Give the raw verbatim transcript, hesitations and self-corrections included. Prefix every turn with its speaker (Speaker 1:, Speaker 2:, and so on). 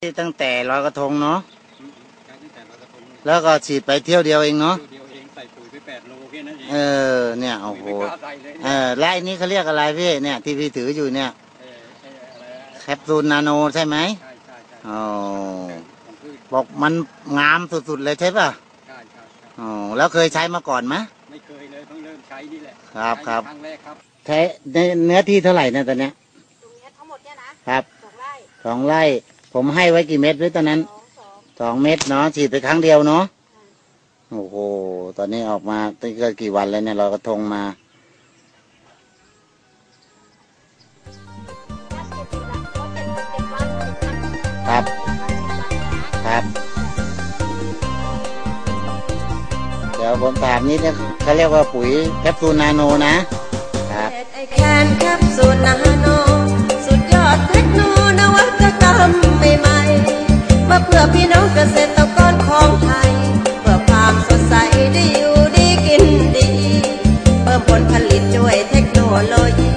Speaker 1: ตั้งแต่ลอยกระทงเนาะ
Speaker 2: ใช้ตั้งแต่ลอยกระทง
Speaker 1: แล้วก็ฉีดไปเที่ยวเดียวเองเนาะ
Speaker 2: เดียวเองใส่ปุ๋ยไปแปดโลแค่นั้นเอง
Speaker 1: เออเนี่ยโอ้โหเออ
Speaker 2: และ
Speaker 1: ไอ้นี้เขาเรียกอะไรพี่เนี่ยที่พี่ถืออยู่เนี่ยแคปซูลนาโนใช่ไหม
Speaker 2: ใช่ใช่ใช่
Speaker 1: อ๋อบอกมันงามสุดๆเลยใช่ป่ะ
Speaker 2: ใช่ใช่
Speaker 1: อ๋อแล้วเคยใช้มาก่อนไหม
Speaker 2: ไม่เคยเลยเพิ่งเริ่มใช้นี่แหละ
Speaker 1: ครับครับ
Speaker 2: ครั้งแรกครับ
Speaker 1: ใช้ในเนื้อที่เท่าไหร่นะตอนเนี้ย
Speaker 3: ตรงนี้ทั้งหมดเนี่ย
Speaker 1: นะครับ
Speaker 3: สองไร่
Speaker 1: สองไร่ผมให้ไว้กี่เม็ดไว้ตอนนั้น
Speaker 3: สองสอง
Speaker 1: สองเม็ดเนาะฉีดไปครั้งเดียวเนาะโอ้โหตอนนี้ออกมาตั้งแต่กี่วันแล้วเนี่ยเรากระทงมาครับครับเดี๋ยวผมถามนิดนึงเขาเรียกว่าปุ๋ยแคปซูลนาโนนะครับ
Speaker 3: ไอแคนแคปซูลนาโนสุดยอดเทคโนนวัตกรรมใหม่ๆมาเพื่อพี่น้องเกษตรกรของไทยเพื่อความสดใสได้อยู่ดีกินดีเพิ่มผลผลิตด้วยเทคโนโลยี